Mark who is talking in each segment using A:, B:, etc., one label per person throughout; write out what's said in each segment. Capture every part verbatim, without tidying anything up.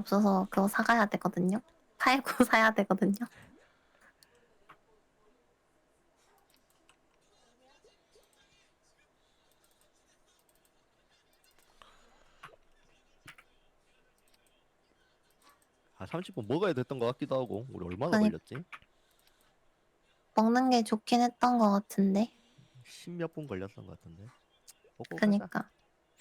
A: 없어서 그거 사가야 되거든요. 팔고 사야 되거든요.
B: 한 삼십 분 먹어야 됐던 것 같기도 하고. 우리 얼마나
A: 그니
B: 걸렸지?
A: 먹는 게 좋긴 했던 것 같은데.
B: 십몇 분 걸렸던 것 같은데. 먹고 가자.
A: 그니까.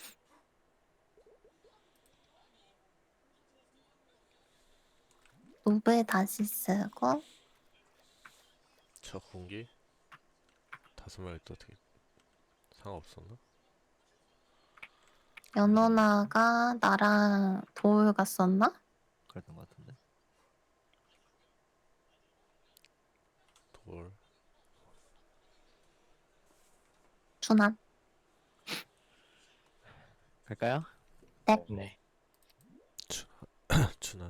A: 노브에 다시 쓰고
C: 저 공기 다섯 마리 또 어떻게 상관없었나?
A: 연호나가 나랑 도울 갔었나?
B: 그랬던 것 같은데.
C: 돌
A: 준환.
B: 갈까요?
A: 네.
D: 네.
C: 준한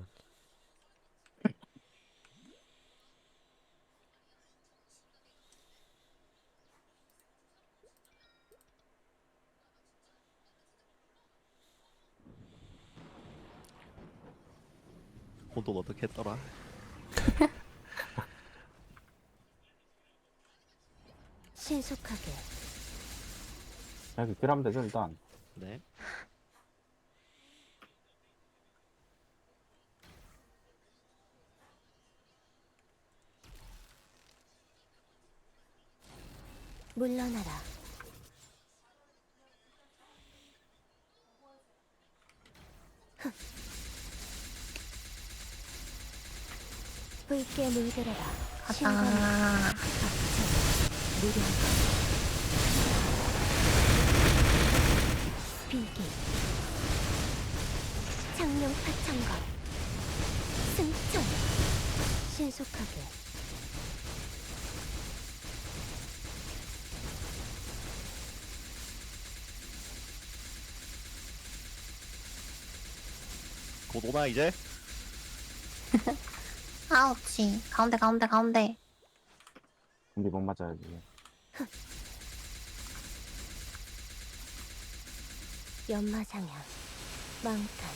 B: 혼돈 어떻게 했더라?
E: 신속하게
D: 이렇게 딜하면 되죠, 일단.
B: 네.
E: 물러나라. 흠. 붉게 물들어라. 신관의
A: 가자.
E: 무령 비기 창룡 파창거 승천 신속하게
B: 곧 오나 이제?
A: 아우치. 가운데 가운데 가운데.
D: 근데 못 맞아야지.
E: 연마상향 망탄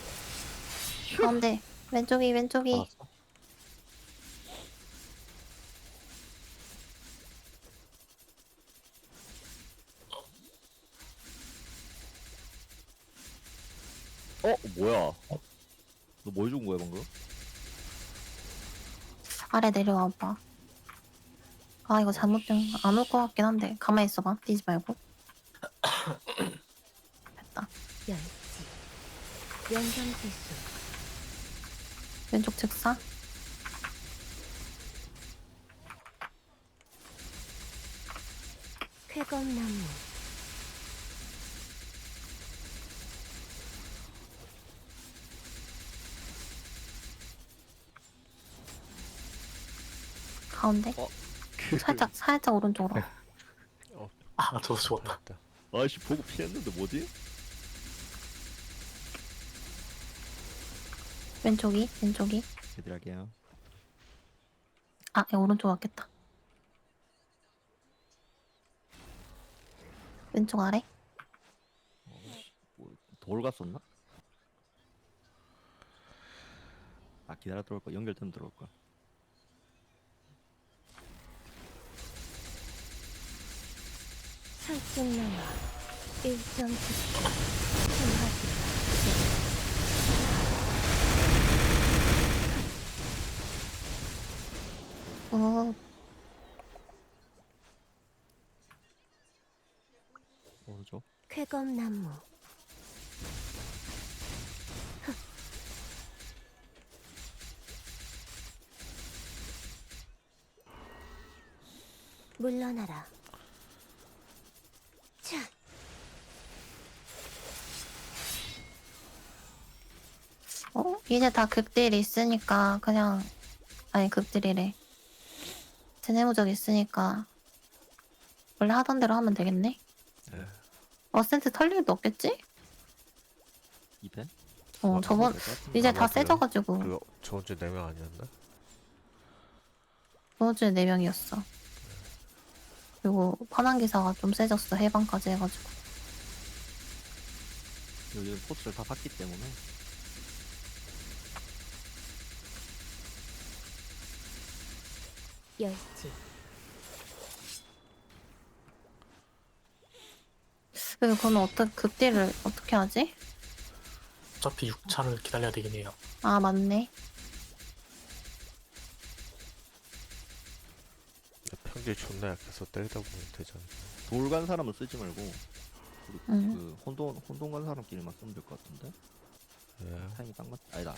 A: 가운데. 왼쪽이 왼쪽이.
D: 받았어?
B: 어? 뭐야? 너 뭐 해준 거야 방금?
A: 아래 내려와봐. 아 이거 잘못된 안 올 것 같긴 한데 가만히 있어봐. 뛰지 말고. 됐다.
E: 열지 연경지수
A: 왼쪽 즉사.
E: 쾌검나무
A: 가운데.
B: 어?
A: 살짝 살짝 오른쪽으로.
D: 아, 저도 죽었다.
C: 됐다.
B: 아이씨 보고 피했는데 뭐지?
A: 왼쪽이 왼쪽이.
B: 얘들 할게요.
A: 아 야, 오른쪽 왔겠다. 왼쪽 아래.
B: 뭐, 돌 갔었나? 아 기다려 들어올 거 연결되면 들어올 거.
E: 설중나와 일정직계 신화지
A: 오.
B: 오른쪽.
E: 쾌검나무 물러나라. 자,
A: 어? 이제 다 극딜 있으니까 그냥 아니 극딜이래. 제네무적 있으니까 원래 하던 대로 하면 되겠네.
C: 네.
A: 어센트 털 일도 없겠지?
B: 이 펜?
A: 어
C: 아,
A: 저번
B: 될것 같은데.
A: 이제
C: 아,
A: 다
C: 맞아요.
A: 세져가지고
C: 그거 저번 주에 네 명 아니었나?
A: 저번 주에 네 명이었어. 그리고 파란 기사가 좀 세졌어. 해방까지 해가지고.
B: 요즘 포스를 다 샀기 때문에
E: 열지.
A: 그리고 그러면 어떻게 극딜을 어떻게 하지?
F: 어차피 육 차를 기다려야 되긴 해요.
A: 아 맞네.
C: 평균 존나 약해서 때리다 보면 되잖아.
B: 돌 간 사람은 쓰지 말고 그,
A: 응.
B: 그 혼돈 혼돈 간 사람끼리만 쓰면 될 것 같은데.
C: 예.
B: 타이밍 딱 맞. 아니다.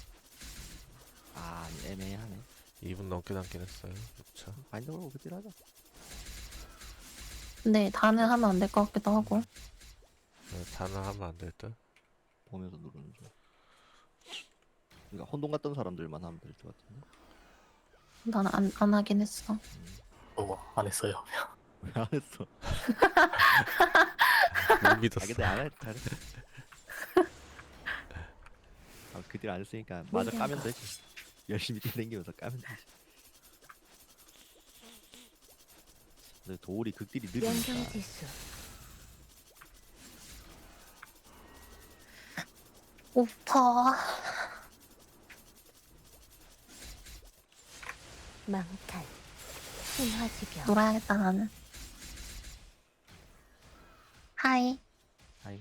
B: 아 애매하네.
C: 이 분 넘게 남긴 했어요. 육 차.
B: 바인더로 그딜 하자.
A: 근데 다는 하면 안 될 것 같기도 하고.
C: 네, 다는 하면 안 될 듯.
B: 보면서 누르는 중. 그러니까 혼돈 갔던 사람들만 하면 될 것 같은데.
A: 나는 안, 안 하긴 했어.
F: 어, 안 했어요.
B: 왜 안 했어?
C: 못
B: 아
C: 믿었어.
B: 근데 안 했. 잘했어. 아 그딜 안 했으니까 마저
E: 모든
B: 까면
E: 것.
B: 되지. 열심히 뛰댕기면서 까면 되지. 근데 돌이 극딜이 느리니까.
E: 연경지수.
A: 오빠.
E: 망탈. 신화지병.
A: 놀아야겠다 나는. 하이.
B: 아이.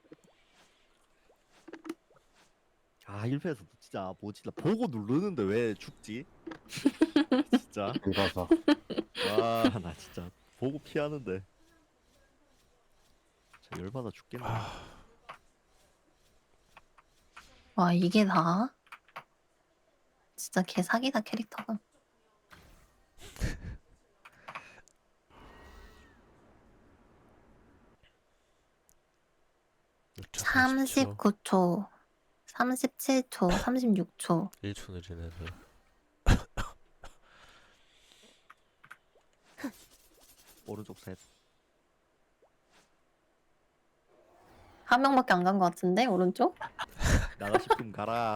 B: 아 일 패에서 진짜 뭐지 나 보고 누르는데 왜 죽지? 진짜
D: 읽어서.
B: 와 나 진짜 보고 피하는데 진짜 열받아 죽겠네.
A: 와 이게 다? 진짜 개사기다 캐릭터가.
C: 육 차
A: 삼십구 초, 삼십칠 초, 삼십육 초.
C: 일 초 느린 애들.
B: 오른쪽 셋.
A: 한 명밖에 안 간 것 같은데 오른쪽?
B: 나가 싶으면 가라.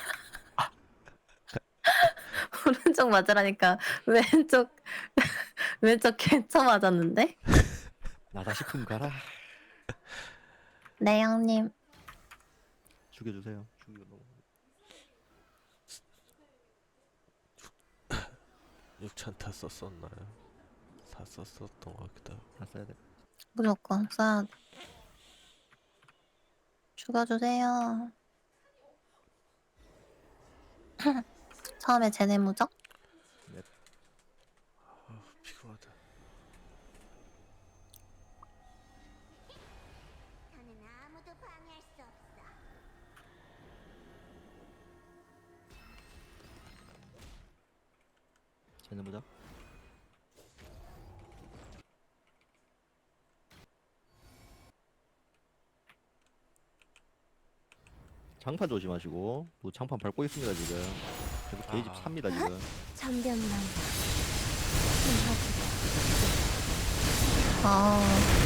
A: 오른쪽 맞으라니까 왼쪽 왼쪽 개쳐 맞았는데?
B: 나가 싶으면 가라.
A: 네 형님.
B: 죽여주세요. 죽여 너무.
C: 육 차 다 썼었나요? 다 썼었던 것 같기도 하고.
B: 다 써야 돼.
A: 무조건 써야 돼. 죽여주세요. 처음에 제네무적?
C: 아, 피곤하다.
E: 나는 아무도 방해할 수 없어.
B: 쟤는 보자. 장판 조심하시고. 또 장판 밟고 있습니다 지금. 계속 게이지
C: 아.
B: 찹니다 지금.
E: 전변만. 신화지병.
A: 아,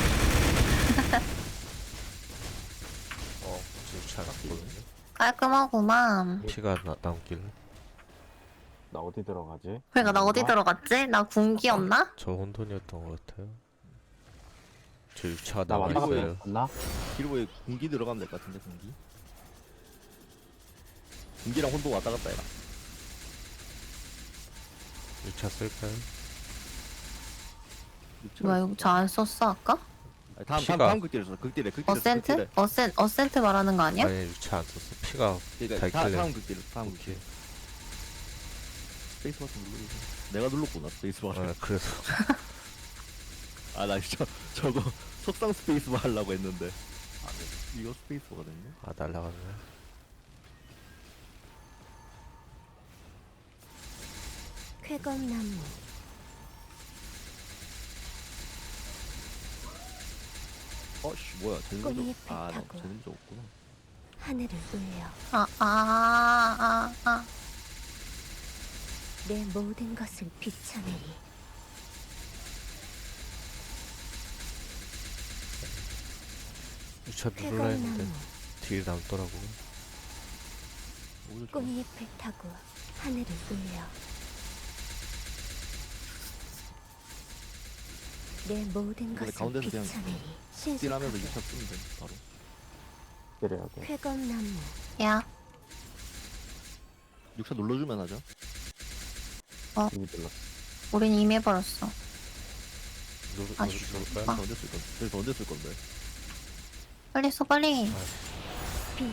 C: 어, 육 차 남거든요.
A: 깔끔하구만.
C: 피가 나, 남길래.
D: 나 어디 들어가지?
A: 그러니까 나 어디
D: 아,
A: 들어갔지? 나 군기였나?
C: 저 혼돈이었던 것 같아요. 저 육 차가
D: 나 왔다 갔다
C: 남아있어요.
D: 했나?
B: 길보에 군기 들어가면 될 것 같은데 군기. 군기랑 혼돈 왔다 갔다 해라.
C: 육 차 쓸까요?
A: 뭐야 이거 저 안 썼어 아까?
B: 아니, 다음
C: 피가-
B: 다음 다음 극딜에서 극딜에 극딜에
A: 어센트? 어센, 어센트 말하는 거 아니야?
C: 아니 육 차 안 썼어. 피가
B: 그러니까 다,
C: 달길래.
B: 다음 극딜 다음 극딜. 스페이스바 좀 누르세요. 내가 눌렀구나 스페이스바를.
C: 아, 그래서
B: 아 나 저 저거 속상 스페이스바 하려고 했는데. 아 네. 이거 스페이스바가 됐네.
C: 아 날라갔네.
E: 쾌검나무.
B: 어씨 뭐야 제대로
E: 꽃잎을
B: 아나
E: 타고.
B: 제대로 없구나.
E: 하늘을 울려.
A: 아, 아, 아, 아.
E: 내 모든 것을 비춰내리.
C: 육 차 누르려 했는데
E: 쾌검나무.
C: 딜이 남더라고요.
B: 오히려 좋아.
E: 꽃잎을 타고 하늘을 울려. 내 모든
B: 근데
E: 것을
B: 가운데서 그냥
E: 비춰내리.
B: 극딜하면서
E: 신속하게.
B: 유차 쓰면 돼 바로.
D: 때려야 돼.
E: 쾌검나무.
A: 야,
B: 유차 눌러주면 하죠.
D: 이미 들렀어.
A: 우린 이미 해버렸어.
C: 누, 누,
A: 아쉬워.
C: 누굴까요?
A: 아.
B: 그래서 언제 쓸 건데? 그래서 언제 쓸 건데?
A: 빨리 써 빨리.
E: 비기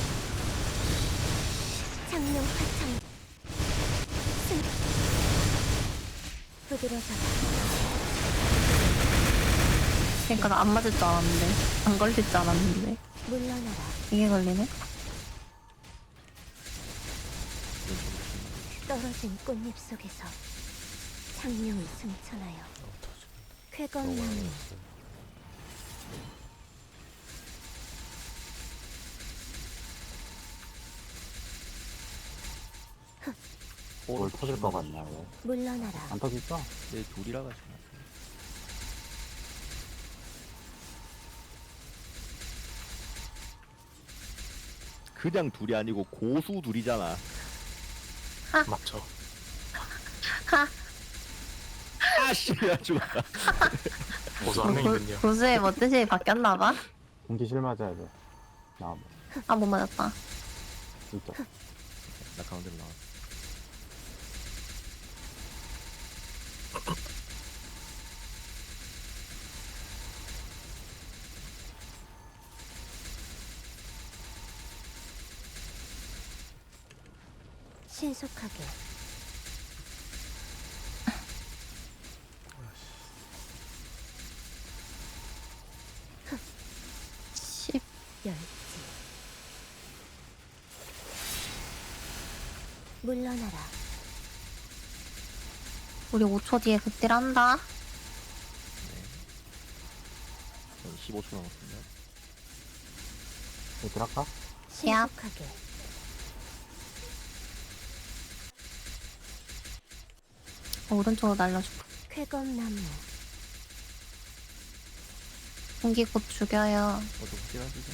E: 창룡 화창 승 부드러져라.
A: 그러니까 나 안 맞을 줄 알았는데 안 걸릴 줄 알았는데
E: 물러나라.
A: 이게 걸리네.
E: 떨어진 꽃잎 속에서 창룡이 승천하여
C: 어, 터지겠다. 너무
E: 쾌검나무
C: 많았어요.
D: 뭘 터질 것 같냐 왜?
E: 물러나라.
D: 안 터질까?
B: 내 둘이라 가지고. 그냥 둘이 아니고 고수 둘이잖아.
F: 맞죠?
A: 하.
B: 아씨, 야 죽었다.
F: 보수 한 명이군요.
A: 고수의 뭐 뜻이 바뀌었나봐.
D: 공기실 맞아야 돼. 나
A: 아 못 맞았다.
D: 진짜.
B: 나 가운데로 나와.
E: 신속하게
A: 십.
E: 열지. 물러나라.
A: 우리 오 초 뒤에 극딜 한다.
B: 전 십오 초 남았습니다.
D: 얘들 할까?
E: 신속하게
A: 오른쪽으로 날려줄까.
E: 쾌검나무
A: 공기 곧 죽여요.
B: 어좀 확실하시죠?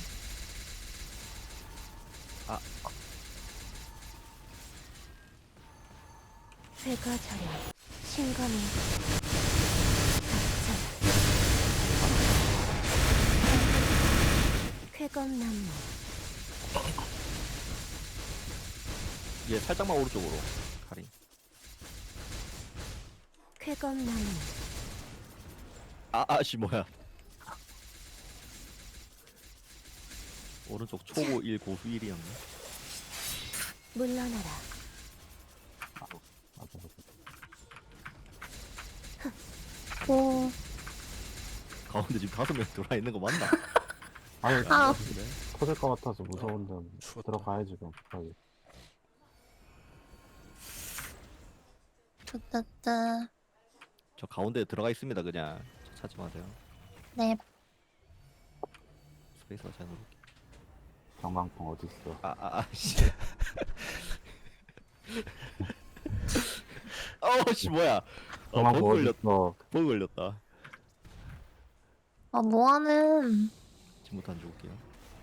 B: 아,
E: 회가절약 신검이 박천 쾌검나무
B: 얘 살짝만 오른쪽으로. 가리.
E: 쾌검나무
B: 아, 아씨 뭐야? 오른쪽 초보 일 고수 일이었네.
E: 물러나라.
D: 아, 맞아.
A: 오.
B: 가운데 지금 다섯 명 들어와 있는 거 맞나?
D: 아니
A: 아.
B: 그래?
D: 터질 것 같아서 무서운데
C: 추웠다.
D: 들어가야지 그럼 급하게.
A: 뜨뜨뜨.
B: 저 가운데 들어가 있습니다 그냥. 저 찾지 마세요.
A: 네.
B: 스페이스가 잘 누를게.
D: 경광풍 어디 있어?
B: 아, 아, 아, 씨. 어우, 씨, 뭐야. 어, 버그
D: 경광풍 어디
B: 걸렸,
D: 있어?
B: 버그 걸렸다.
A: 아 뭐하는.
B: 지금부터 안 죽을게요.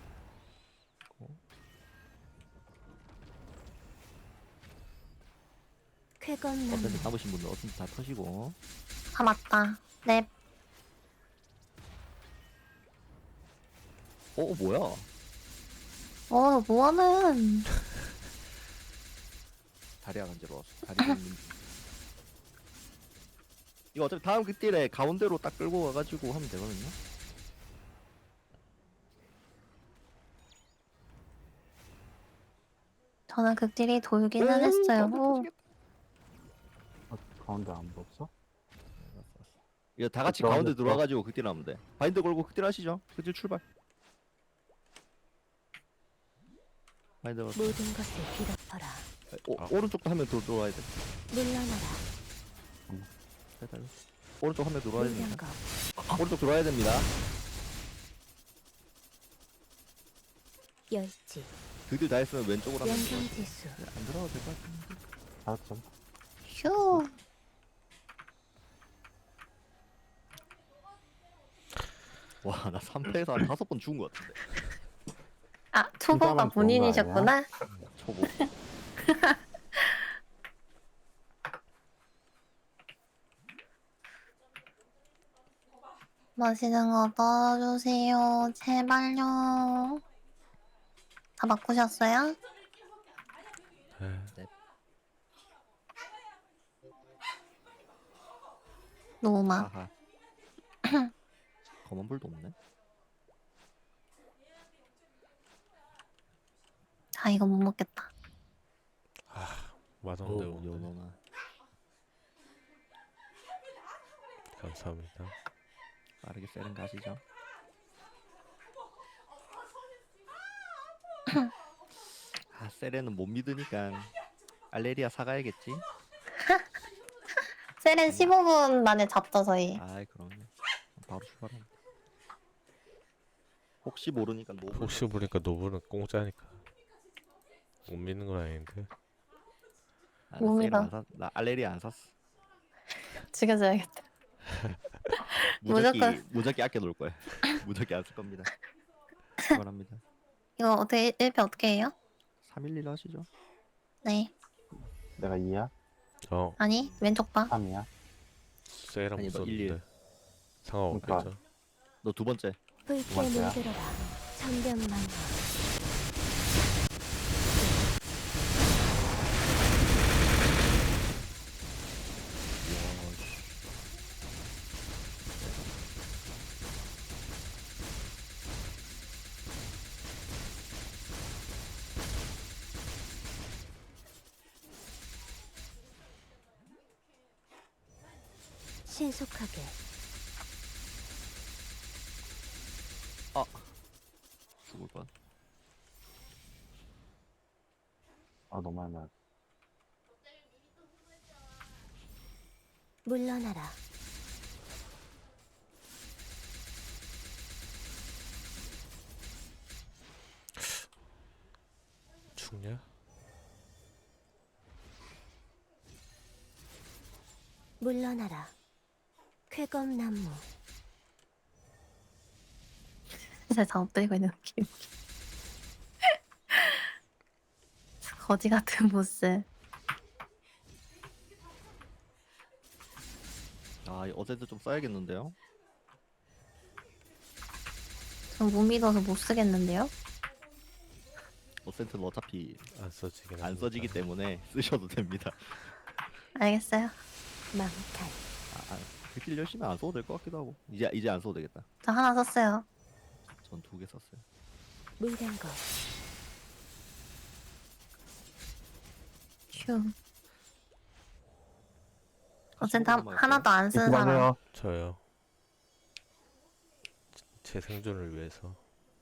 E: 쾌검나무
B: 어쨌든 남으신 분들 어쨌든 다 터시고.
A: 아 맞다. 네.
B: 어, 뭐야.
A: 어 뭐하는.
B: 다리가 간지러웠어. 다리 긁는. 이거 어차피 다음 그 딜에 가운데로 딱 끌고 가가지고 하면 되거든요.
A: 저는 극딜이 돌기는
B: 오,
A: 했어요.
B: 가운데
A: 오.
B: 터지겠다.
D: 어, 가운데 안 없어?
B: 이거 다 같이
D: 가운데
B: 가운데
D: 또-
B: 들어와가지고 극딜 하면 돼. 바인드 걸고 극딜 하시죠. 극딜 출발. 바인드 걸고.
E: 모든 것을 빌어라.
B: 오,
C: 아.
B: 오른쪽도 한 명 들어와야 돼.
E: 물러나라.
B: 살살. 오른쪽 한 명 들어와야 됩니다.
E: 물량거
B: 오른쪽 들어와야 됩니다.
E: 열지
B: 극딜 다 했으면 왼쪽으로 하면 돼요.
E: 연성지수
B: 네, 안 들어가도 될 것 같은데.
D: 알았죠.
A: 휴.
B: 와, 나 삼 패에서 한 다섯 번 죽은 것 같은데.
A: 아 초보가
D: 혼자만 좋은 거
A: 본인이셨구나.
B: 초보.
A: 맛있는 거 넣어주세요. 제발요. 다 바꾸셨어요?
C: 네.
A: 노마.
B: 하하. 검은 불도 없네.
A: 아 이거 못 먹겠다.
C: 맛없네
B: 오,
C: 오늘.
B: 연어나.
C: 감사합니다.
B: 빠르게 세는 가시죠. 아, 세레는 못 믿으니까 알레리아 사가야겠지.
A: 세렌 십오 분 만에 잡죠 저희.
B: 아이 그럼요. 바로 출발합니다. 혹시 모르니까 노.
C: 혹시 보니까 노브는 공짜니까 못 믿는 건 아닌데.
B: 아, 나
A: 몸이다.
B: 세일 안 샀. 나 알레리아 안 샀어.
A: 죽여줘야겠다.
B: 무적기
A: 무조건.
B: 무적기 아껴 놓을 거야. 무적기 안 쓸 겁니다. 출발합니다.
A: 이거 어떻게 일 패 어떻게 해요?
B: 삼일일 하시죠.
A: 네.
D: 내가 이야?
C: 어
A: 아니 왼쪽 봐.
D: 삼이야?
C: 세이랑
B: 아니, 너
C: 무섭는데
B: 일일.
C: 상관없겠죠.
B: 너 두 번째.
E: 붉게
D: 번째야?
E: 물들어라. 천변만화. 신속하게.
B: 죽을 뻔.
D: 아 너무 많이 맞
E: 물러나라.
C: 죽냐?
E: 물러나라. 쾌검나무.
A: 진짜 잘못 들고 있는 느낌. 거지 같은 보스.
B: 아 어제도 좀 써야겠는데요.
A: 전 못 믿어서 못 쓰겠는데요?
B: 어센트는 어차피
C: 안 써지긴
B: 안
C: 합니다.
B: 써지기 때문에 쓰셔도 됩니다.
A: 알겠어요.
E: 망탈.
B: 아, 아 길 열심히 안 써도 될 것 같기도 하고. 이제 이제 안 써도 되겠다.
A: 저 하나 썼어요.
B: 전 두 개 썼어요.
E: 물량거.
A: 휴. 어쨌든
B: 십오
A: 한-
B: 분만
A: 하나도 안 쓰는 사람.
D: 이만해요.
C: 저요. 제 생존을 위해서.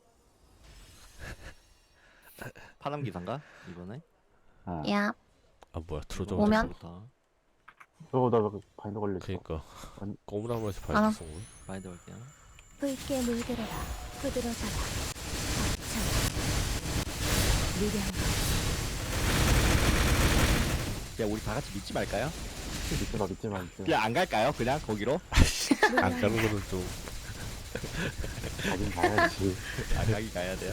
B: 파남 기사인가 이번에?
D: 어.
A: 야,
C: 아 뭐야 트로저
B: 이번
A: 오면?
B: 부터
D: 저거 나 바인더 걸렸어.
C: 그니까
D: 아니.
C: 꼬무나무에서
A: 알아.
C: 발견 쓴 거.
B: 마인드 갈게요.
E: 붉게 물들어라. 부드러져라. 벅차. 물량거.
B: 그냥 우리 다 같이 믿지 말까요?
D: 믿지 마 믿지 마 믿지 마.
B: 그냥 안 갈까요? 그냥 거기로?
C: 안 가는 거는 좀
D: 가긴 가야지.
B: 안 가기 가야 돼요.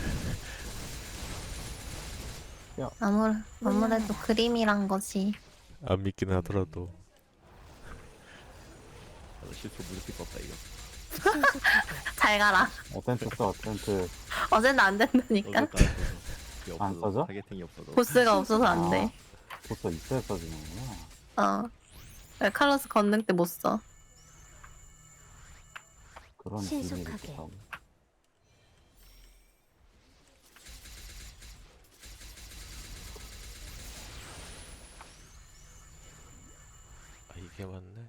A: 아무, 아무래도 그림이란 것이.
C: 안 믿긴 하더라도
B: 나도 실수 무섭게 썼다 이거.
E: 신속하게.
A: 잘 가라.
D: 어텐트 써 어텐트.
A: 어제는 안 된다니까.
B: 어제도 안 써서. 그게
D: 안
B: 없어서,
D: 써져?
B: 타겟팅이 없어서.
A: 보스가 없어서 안 돼.
D: 보스 있어야 써지는구나.
A: 어. 왜 칼로스 건능 때 못 써.
D: 그런 비밀이
E: 신속하게.
D: 있다고.
C: 아 이게 맞네.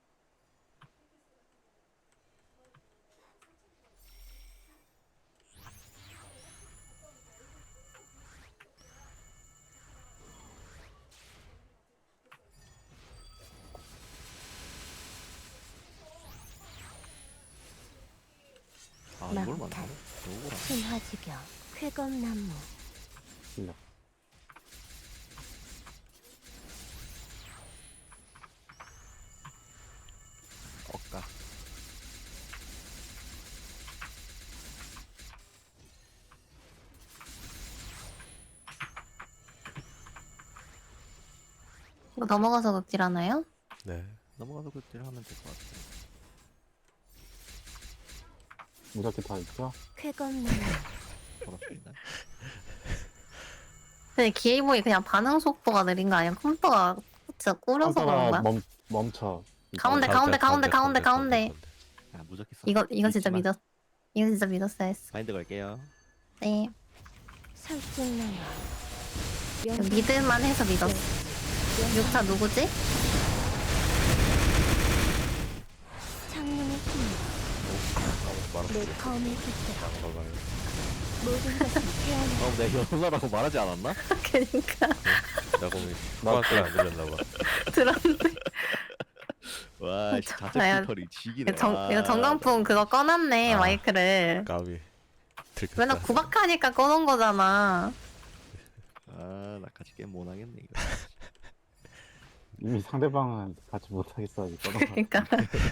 B: 아 이걸
E: 망탈.
B: 만드네. 요거랑.
E: 신화지경. 쾌검나무.
D: 실력.
B: 억까.
A: 이거 넘어가서 극딜 하나요?
C: 네.
B: 넘어가서 그때 하면 될 것 같아요.
D: 무작위 다 있죠?
E: 쾌검나무.
B: 고맙습니다.
A: 근데 기에이보이 그냥 반응 속도가 느린 거 아니야? 컴퓨터가 진짜 꾸려서 그런
D: 컴퓨터가
A: 거야?
D: 멈 멈춰.
A: 가운데,
C: 가-
A: 가운데,
C: 가-
A: 가운데, 가운데, 가운데.
B: 아 무적기 써.
A: 이거 이거 진짜
B: 믿지마.
A: 믿었. 이거 진짜 믿었어야 했어.
B: 바인드 걸게요.
A: 네.
E: 설득나마.
A: 믿을만 해서 믿었어. 육 차 누구지?
E: 창문의 힘.
C: 말았어.
E: 내 검을 깃들어
C: 봐봐요.
E: 모든 것을 태어나.
B: 어, 내가 연나라고 말하지 않았나?
A: 그니까
C: 내가 보면 후반까지 안 들렸나 봐.
A: 들었는데.
B: 와, 씨,
A: 저-
B: 자체
A: 야,
B: 피터리 지기네.
A: 이거 정
B: 와.
A: 이거 정강풍 그거 꺼놨네
C: 아.
A: 마이크를.
C: 까비. 들켰다.
A: 맨날 구박하니까 꺼놓은 거잖아.
B: 아, 나 같이 게임 못 하겠네 이거.
D: 이미 상대방은 같이 못하겠어 아직 떠나.
A: 그러니까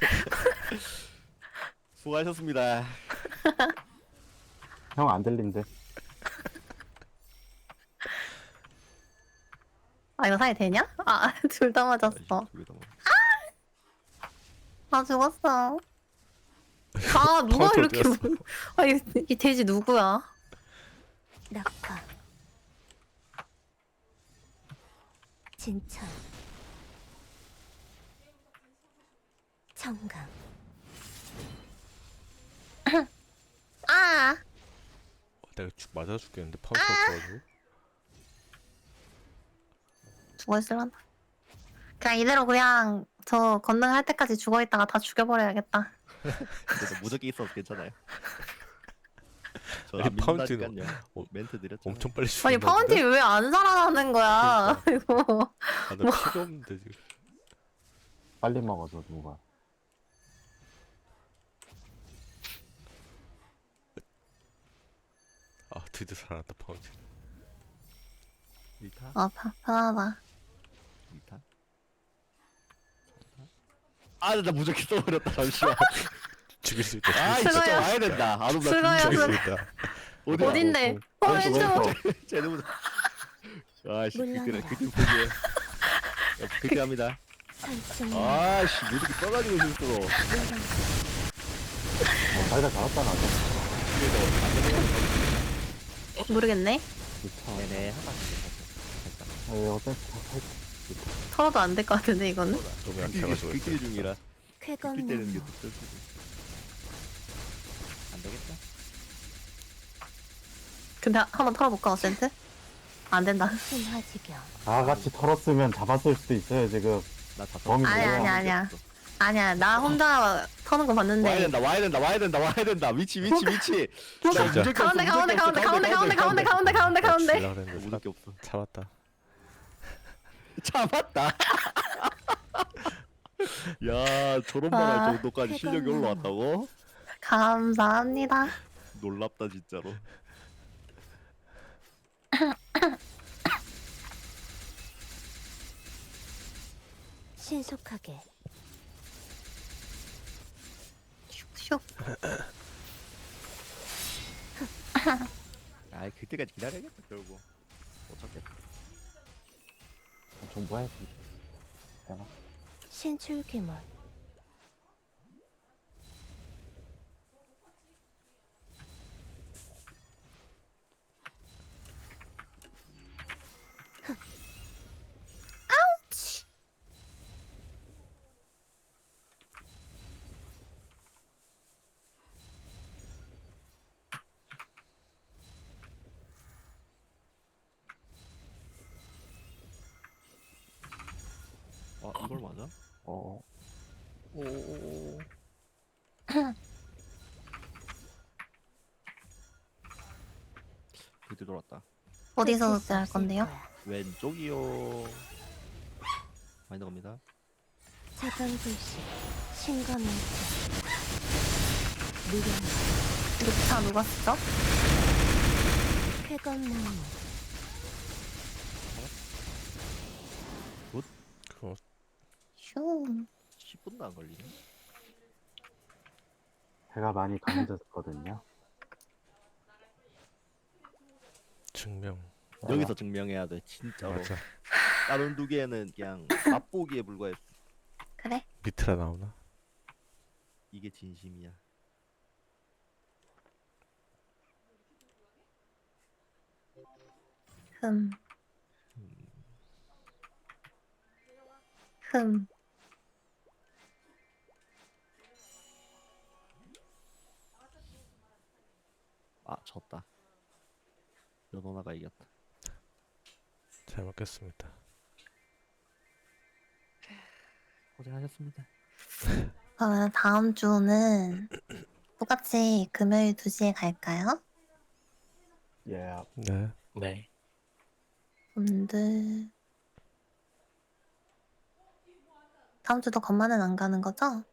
B: 수고하셨습니다.
D: 형안 들린대.
A: 아 이거 사이 되냐? 아 둘 다 맞았어.
B: 두개 다 먹었어.
A: 아 죽었어. 아 누가
C: 카운터
A: 이렇게
C: 뛰었어.
A: 물- 아 이, 이 돼지 누구야?
E: 낙화. 진천. 청강.
A: 아
C: 어, 내가 죽 맞아 죽겠는데 파운트 없어가지고.
A: 죽어있을란다. 그냥 이대로 그냥 저 건능할 때까지 죽어있다가 다 죽여버려야겠다.
B: 그래서 무적기 있어서 괜찮아요.
C: 아니,
B: 저안
C: 파운틴
B: 믿는다니까요.
C: 어,
B: 멘트 드렸죠.
C: 엄청 빨리 죽.
A: 아니 파운틴 왜 안 살아나는 거야? 이거
C: 아, 나 피가 없는데 지금.
D: 빨리 먹어서 누가.
C: 아 드디어 살아났다 파운틴.
B: 일타,
A: 아 파- 편하다.
B: 이타. 아, 나 무적기 써버렸다. 잠시만.
C: 죽일 수 있다.
B: 아,
C: 죽일 수
B: 진짜
A: 수고해요.
B: 와야 된다. 안 오면
A: 수고해요.
B: 나
C: 죽일 수
A: 수고-
C: 있다.
B: 어디야?
A: 어딘데?
D: 어,
A: 어
D: 어,
A: 왼쪽.
D: 왼쪽.
B: 쟤네 무적. 아씨, 그래,
E: 물러나라.
B: 그때 포기해. 그렇게 합니다.
E: 설득.
B: 아씨, 무적기 써가지고 실수로.
D: 어, 자기가 잘했잖아.
A: 모르겠네.
D: 그쵸.
B: 네네, 한 바퀴.
D: 아, 왜 어차피 다 탈.
A: 털어도 안 될 것 같은데 이거는.
C: 너무 약해가지고.
B: 극딜 중이라.
E: 쾌검
B: 극딜 때리는 게
E: 나무.
B: 더 쓸 수도. 안 되겠다.
A: 근데 한번 털어볼까 어센트? 안 된다.
E: 신화지경.
D: 다 같이 털었으면 잡았을 수도 있어요 지금.
B: 나다
D: 범인
A: 아니야,
D: 뭐야?
A: 아니야, 아니야. 아니야 나 혼자 터는 거
B: 와야
A: 봤는데.
B: 된다, 와야 된다, 와야 된다, 와야 된다. 위치, 위치, 위치. 나
C: 진짜.
B: 무적기 없어,
A: 가운데 가운데
B: 무적기 없어,
A: 가운데 가운데 가운데 가운데 가운데 가운데 가운데.
C: 죽이려고 했는데
B: 무적기 없어.
C: 사- 잡았다.
B: 잡았다. 야, 저런 말
A: 아,
B: 할 정도까지 실력이
E: 쾌감나무.
B: 올라왔다고?
A: 감사합니다.
B: 놀랍다 진짜로.
E: 신속하게.
A: 슉슉.
B: 아이, 그때까지 기다려야겠다 결국. 어쩌겠다.
D: 정보해야지. 내가.
E: 신출귀몰.
B: 아, 이걸 맞아?
D: 어.
B: 오오오. 그때 돌았다.
A: 어디서
E: 끝일 수
A: 할
E: 없을
A: 건데요?
E: 거야.
B: 왼쪽이요. 많이 나갑니다.
E: 자강불씨. 신검일체. 무령.
A: 녹차 누가 쓰죠?
E: 쾌검나무.
C: 그거
A: 슝.
B: 십 분도 안 걸리네.
D: 해가 많이 강해졌거든요.
C: 증명.
B: 여기서 증명해야 돼 진짜로.
C: 맞아.
B: 다른 두 개는 그냥 맛보기에 불과했어.
A: 그래.
C: 미트라 나오나?
B: 이게 진심이야.
A: 흠. 흠.
B: 아 졌다. 연호나가 이겼다.
C: 잘 먹겠습니다.
B: 고생하셨습니다.
A: 그러면 다음 주는 똑같이 금요일 두 시에 갈까요?
D: 예.
C: 네.
F: 네.
A: 분들 다음 주도 건만은 안 가는 거죠?